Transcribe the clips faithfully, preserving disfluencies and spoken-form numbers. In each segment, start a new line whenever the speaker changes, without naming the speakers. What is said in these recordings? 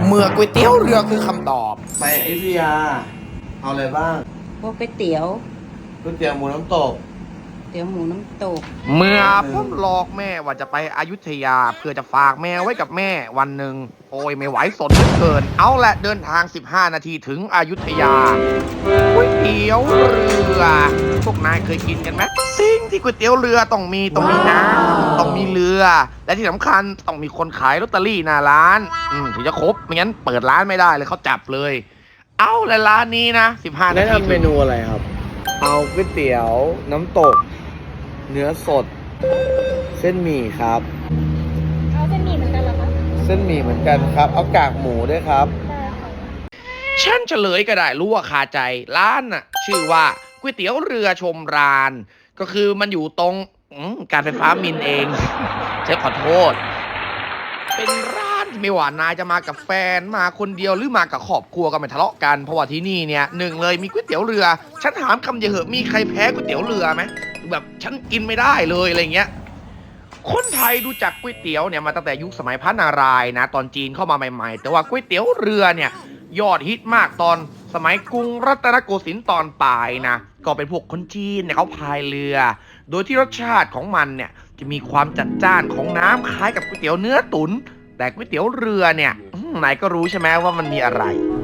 เมื่อก๋วยเตี๋ยวเรือคือคำตอบ
ไปอยุธยาเอาอะไรบ้าง
พวกก๋วยเตี๋ยว
ก๋วยเตี๋ยวหมูน้ำตก
เตี๋ยวหมูน้ำตก
เมื่อผมหลอกแม่ว่าจะไปอยุธยาเพื่อจะฝากแมวไว้กับแม่วันหนึ่งโอ้ยไม่ไหวสดเหลือเกินเอาละเดินทางสิบห้านาทีถึงอยุธยาก๋วยเตี๋ยวเรือพวกนายเคยกินกันไหมสิ่งที่ก๋วยเตี๋ยวเรือต้องมีต้องมีน้ำต้องมีเรือและที่สำคัญต้องมีคนขายลอตเตอรี่หน้าร้านอืมถึงจะครบไม่งั้นเปิดร้านไม่ได้เลยเขาจับเลยเอาละร้านนี้นะสิบห้านาที
แนะนำเมนูอะไรครับเอาก๋วยเตี๋ยวน้ำตกเนื้อสดเส้นหมี่ครับ
เอาเส้นหมี่เหมือนกันเหรอคะ
เส้นหมี่เหมือนกันครับเอากากหมูด้วยครับ
ได้ค่ะ
ฉันเฉลยก็ได้รู้ว่าคาใจร้านน่ะชื่อว่าก๋วยเตี๋ยวเรือชมรานก็คือมันอยู่ตรงการไฟฟ้ามินเองฉันขอโทษเป็นร้านที่ไม่ว่านายจะมากับแฟนมาคนเดียวหรือมากับครอบครัวก็ไม่ทะเลาะกันเพราะว่าที่นี่เนี่ยหนึ่งเลยมีก๋วยเตี๋ยวเรือฉันถามคำเดียวเหอะมีใครแพ้ก๋วยเตี๋ยวเรือไหมแบบฉันกินไม่ได้เลยอะไรเงี้ยคนไทยรู้จักก๋วยเตี๋ยวเนี่ยมาตั้งแต่ยุคสมัยพระนารายณ์นะตอนจีนเข้ามาใหม่ๆแต่ว่าก๋วยเตี๋ยวเรือเนี่ยยอดฮิตมากตอนสมัยกรุงรัตนโกสินทร์ตอนปลายนะก็เป็นพวกคนจีนเนี่ยเขาพายเรือโดยที่รสชาติของมันเนี่ยจะมีความจัดจ้านของน้ำคล้ายกับก๋วยเตี๋ยวเนื้อตุ๋นแต่ก๋วยเตี๋ยวเรือเนี่ยไหนก็รู้ใช่ไหมว่ามันมีอะไร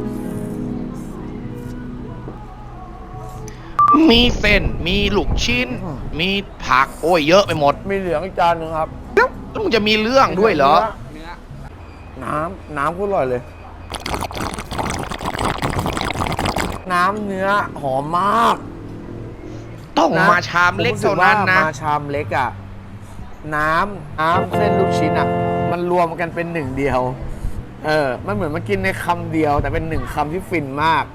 มีเส้นมีลูกชิ้นมีผักโอ้ยเยอะไปหมด
มีเหลืองอีกจานหนึ่งครับ
แล้วมึงจะมีเรื่องด้วยเหรอ
น้ำน้ำก็อร่อยเลยน้ำเนื้อหอมมาก
ต้องมาชามเล็กเท่านั้นนะ
มาชามเล็กอ่ะน้ำน้ำเส้นลูกชิ้นอ่ะมันรวมกันเป็นหนึ่งเดียวเออมันเหมือนมากินในคำเดียวแต่เป็นหนึ่งคำที่ฟินมาก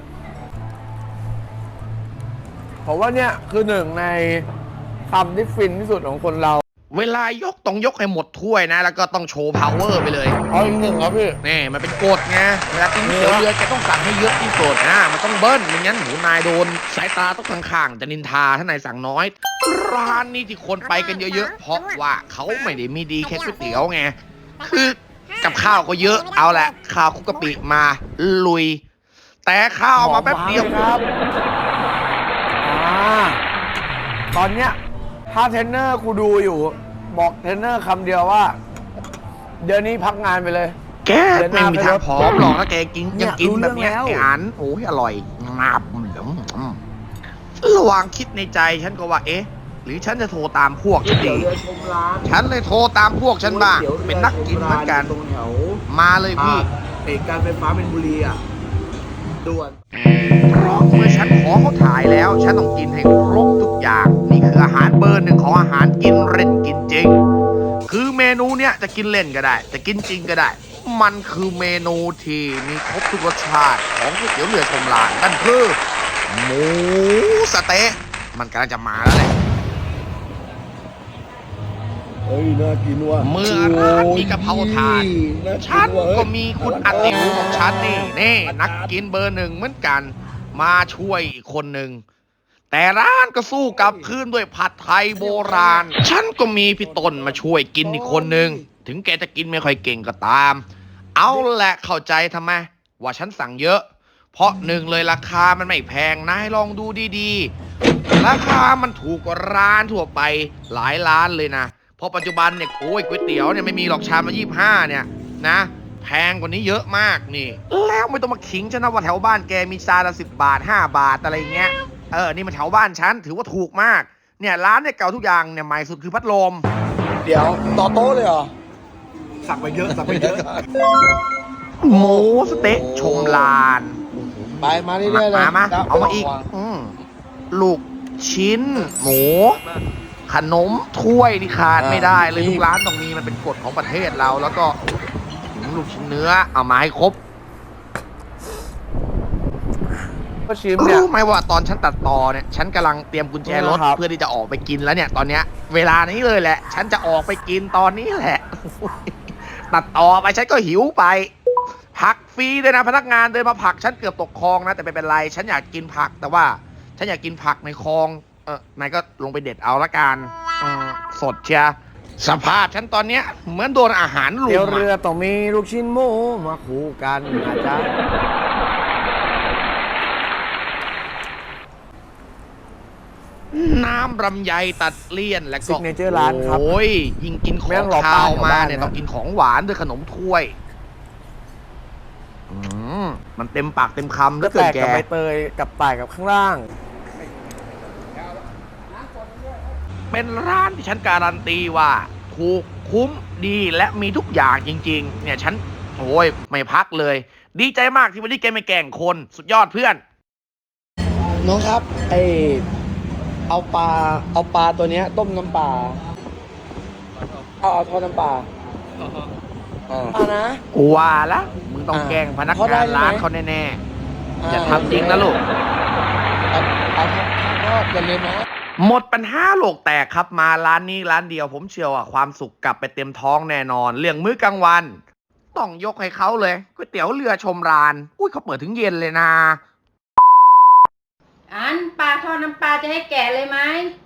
เพราะว่าเนี่ยคือหนึ่งในคำที่ฟินที่สุดของคนเรา
เวลายกต้องยกให้หมดถ้วยนะแล้วก็ต้องโชว์ power ไปเลย
เอาอีกหนึ่งครับพี่
นี่มันเป็นกฎไงเวลากินก๋วยเตี๋ยวเรือแกต้องสั่งให้เยอะที่สุดนะมันต้องเบิ้ลไม่งั้นหมูนายโดนสายตาต้องข้างๆจะนินทาถ้านายสั่งน้อยร้านนี้ที่คนไปกันเยอะๆเพราะว่าเขาไม่ได้มีดีแค่ก๋วยเตี๋ยวไงคือกับข้าวก็เยอะเอาแหละข้าวคุกกะปิมาลุยแต่ข้าวมาแป๊บเดียว
ครับตอนเนี้ยถ้าเทรนเนอร์กูดูอยู่บอกเทรนเนอร์คำเดียวว่าเดี๋ยวนี้พักงานไปเลย
แกไม่มีทางผอมหรอกถ้าแกกินยังกินแบบนี้ไอ้อันโอ้ยอร่อยมาบเหลืองระหว่างคิดในใจฉันก็ว่าเอ๊ะหรือฉันจะโทรตามพวกฉันดีฉันเลยโทรตามพวกฉันบ้างเป็นนักกินเหมือนกันมาเลยพี่
เหตุการณ์ไฟฟ้าเป็นบุรีอ่ะด่วน
เพราะเมื่อฉันขอเขาถ่ายแล้วฉันต้องกินให้ครบทุกอย่างนี่คืออาหารเบอร์หนึ่งของอาหารกินเล่นกินจริงคือเมนูเนี้ยจะกินเล่นก็ได้จะกินจริงก็ได้มันคือเมนูที่มีครบทุกรสชาติของก๋วยเตี๋ยวเรือชมรานนั่นคือหมูสะเต๊ะมันกำลังจะมาแล้วแหละ
เฮ้ยน่ากินว่ะ
เมื่อร้านมีกะเพราถาดฉันก็มีคุณอติภูของฉันนี่นี่นักกินเบอร์หนึ่งเหมือนกันมาช่วยอีกคนหนึ่งแต่ร้านก็สู้กลับคืนด้วยผัดไทยโบราณฉันก็มีพี่ต้นมาช่วยกินอีกคนหนึ่งถึงแกจะกินไม่ค่อยเก่งก็ตามเอาแหละเข้าใจทำไมว่าฉันสั่งเยอะเพราะหนึ่งเลยราคามันไม่แพงนายลองดูดีๆราคามันถูกกว่าร้านทั่วไปหลายร้านเลยนะเพราะปัจจุบันเนี่ยโอ้ยก๋วยเตี๋ยวเนี่ยไม่มีหรอกชามละยี่สิบห้าเนี่ยนะแพงกว่านี้เยอะมากนี่แล้วไม่ต้องมาขิงฉันนะว่าแถวบ้านแกมีชามละสิบบาทห้าบาทอะไรเงี้ยเออนี่มันแถวบ้านฉันถือว่าถูกมากเนี่ยร้านเนี่ยเก่าทุกอย่างเนี่ยใหม่สุดคือพัดลม
เดี๋ยวต่อโต๊ะเลยเหรอสั่งไปเยอะสั่งไปเยอะ
หมูสเต๊ะชมลาน
ไปมาเรื่อยๆเลย
มามาเอามาอีกลูกชิ้นหมูขนมถ้วยนี่ขาดไม่ได้เลยทุกร้านต้องมีมันเป็นกฎของประเทศเราแล้วก็ลูกชิ้นเนื้อเอามาให้ครบรู้ไหมว่าตอนฉันตัดต่อเนี่ยฉันกำลังเตรียมกุญแจรถเพื่อที่จะออกไปกินแล้วเนี่ยตอนเนี้ยเวลานี้เลยแหละฉันจะออกไปกินตอนนี้แหละตัดต่อไปฉันก็หิวไปผักฟรีเลยนะพนักงานเดินมาผักฉันเกือบตกคลองนะแต่ไม่เป็นไรฉันอยากกินผักแต่ว่าฉันอยากกินผักในคลองเออนายก็ลงไปเด็ดเอาละกันสดเชียสภาพฉันตอนเนี้ยเหมือนโดนอาหารลุ
เตี๋ยว
ม
เรือ
อะ
ต้องมีลูกชิ้นหมูมาคู่กันนะจ๊ะ
น้ำลำไยตัดเลี่ยนและก็
ซิกเนเจอร์ร้านครับ
โอ้ยยิ่งกินข
ไม่
อ
ต้อง งรอ
ข้าว
ป้าแถว
มา
บ้าน
เนี่ย
นะ
ต้องกินของหวานด้วยขนมถ้วยอืมมันเต็มปากเต็มคำ
ก็
แล้วเกิ
แต
น
ก
แก
กับใบเตยกับต่ายกับข้างล่าง
เป็นร้านที่ฉันการันตีว่าถูกคุ้มดีและมีทุกอย่างจริง ๆ เนี่ยฉันโอ้ยไม่พักเลย ดีใจมากที่วันนี้แกไม่แกล้งคนสุดยอดเพื่อน
น้องครับไอเอาปลาเอาปลาตัวเนี้ย ต้มน้ำปลาเอาเอาทอดน้ำปลาอ่าเอานะ
กูว่าละมึงต้อง
อ่า
แกล้งพนัก
เขาได้
งาน
ใช่ไหม
ร้านเขาแน่ๆอย่าทำจริงนะลูก
เอาเอาทอดอย่าลืมนะ
หมดปัญหาโลกแตกครับมาร้านนี้ร้านเดียวผมเชื่อว่าความสุขกลับไปเต็มท้องแน่นอน เรื่องมื้อกลางวัน ต้องยกให้เขาเลยก๋วยเตี๋ยวเรือชมราน อุ้ยเขาเปิดถึงเย็นเลยนะ
อันปลาทอดน้ำปลาจะให้แกะเลยไหม